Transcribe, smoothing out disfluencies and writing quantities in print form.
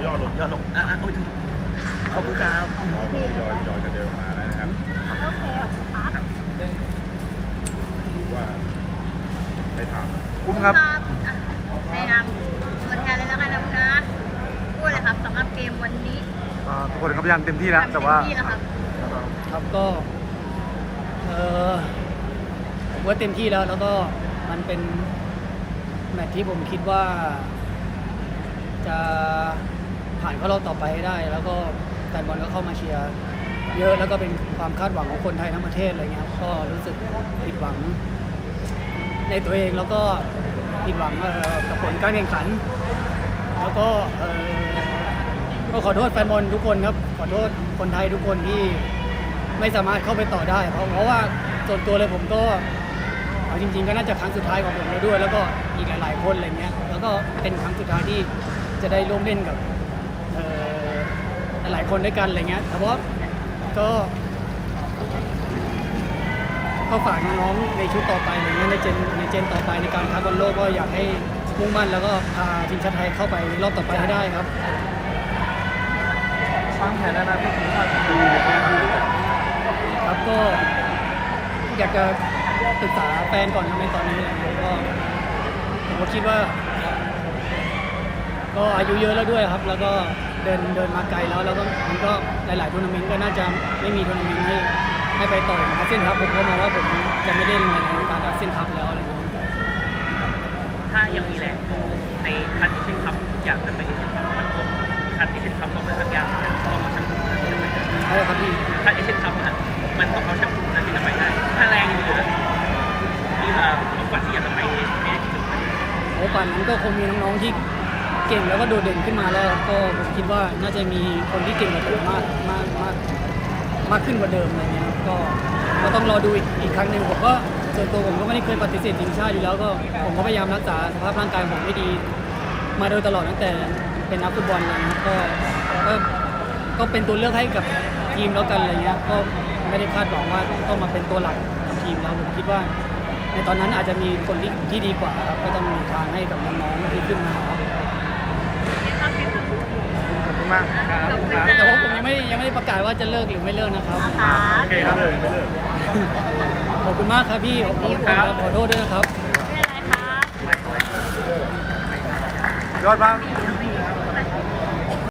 อลงย่อลงโอ้ยขอบคุณครับยอยกันเดินมาแล้วนะครับโอเคครับดูว่าได้ถามคุ้มครับในนามตัวแทนเลยแล้วกันนะคุณนัทพูดเลยครับสำหรับเกมวันนี้ทุกคนก็พยายามเต็มที่แล้วแต่ว่าเต็มที่แล้วครับครับก็ผมว่าเต็มที่แล้วก็มันเป็นแมตช์ที่ผมคิดว่าจะผ่านเข้ารอบต่อไปให้ได้ แล้วก็แฟนบอลก็เข้ามาเชียร์เยอะแล้วก็เป็นความคาดหวังของคนไทยทั้งประเทศอะไรเงี้ยก็รู้สึกผิดหวังในตัวเองแล้วก็ผิดหวังกับผลการแข่งขัน แล้วก็ขอโทษแฟนบอลทุกคนครับขอโทษคนไทยทุกคนที่ไม่สามารถเข้าไปต่อได้เพราะว่าส่วนตัวเลยผมก็เอาจริงๆก็น่าจะครั้งสุดท้ายของผมแล้วด้วยแล้วก็อีกหลายๆคนอะไรเงี้ยแล้วก็เป็นครั้งสุดท้ายที่จะได้ร่วมเล่นกับหลายคนด้วยกันอะไรเงี้ยแต่ว่าก็ฝากน้องๆในชุดต่อไปอะไรเงี้ยในเจนต่อไปในการคัดบอลโลกก็อยากให้มุ่งมั่นแล้วก็พาทีมชาติไทยเข้าไปในรอบต่อไปให้ได้ครับวางแผนแล้วนะพี่ทีมชาติไทยครับก็อยากจะปรึกษาแฟนก่อนในตอนนี้อะไรเงี้ยก็ผมก็คิดว่าก็อายุเยอะแล้วด้วยครับแล้วก็เดินมาไกลแล้วก็มันก็หลายๆทัวร์นาเมนต์ก็น่าจะไม่มีทัวร์นาเมนต์ให้ไปต่อยอาเซียนครับผมก็มองว่าผมจะไม่เล่นในการอาเซียนคัพแล้วอะไรอย่างเงี้ยถ้ายังมีแรงในคันที่เป็นคัพอยากจะไปเล่นมันคงคันที่เป็นคัพต้องเป็นสักอย่างต้องเอาแชมป์ที่จะไปได้ใช่ครับพี่ถ้าเอเชียนคัพนะมันต้องเอาแชมป์นั้นที่จะไปได้ถ้าแรงเหลือที่ต้องฝันที่อยากจะไปในที่สุดโอ้ป่านนั้นก็คงมีน้องๆที่เก่งแล้วก็โดดเด่นขึ้นมาแล้วก็ผมคิดว่าน่าจะมีคนที่เก่งกว่าผมมากขึ้นกว่าเดิมอะไรเงี้ยก็ต้องรอดูอีกครั้งหนึ่งผมก็ส่วนตัวผมก็ไม่ได้เคยปฏิเสธทีมชาติอยู่แล้วก็ผมก็พยายามรักษาสภาพร่างกายผมให้ดีมาโดยตลอดตั้งแต่เป็นนักฟุตบอลเลยนะก็เป็นตัวเลือกให้กับทีมแล้วกันอะไรเงี้ยก็ไม่ได้คาดหวังว่าต้องมาเป็นตัวหลักของทีมแล้วผมคิดว่าในตอนนั้นอาจจะมีคนที่ดีกว่าครับก็ต้องมีทางให้กับน้องๆที่ขึ้นมาครับขอบคุณมากครับแต่ว่าผมยังไม่ได้ประกาศว่าจะเลิกหรือไม่เลิกนะครับโอเคครับเลยขอบคุณมากครับพี่ขอบคุณครับขอโทษด้วยนะครับไม่เป็นไรครับยอดมาก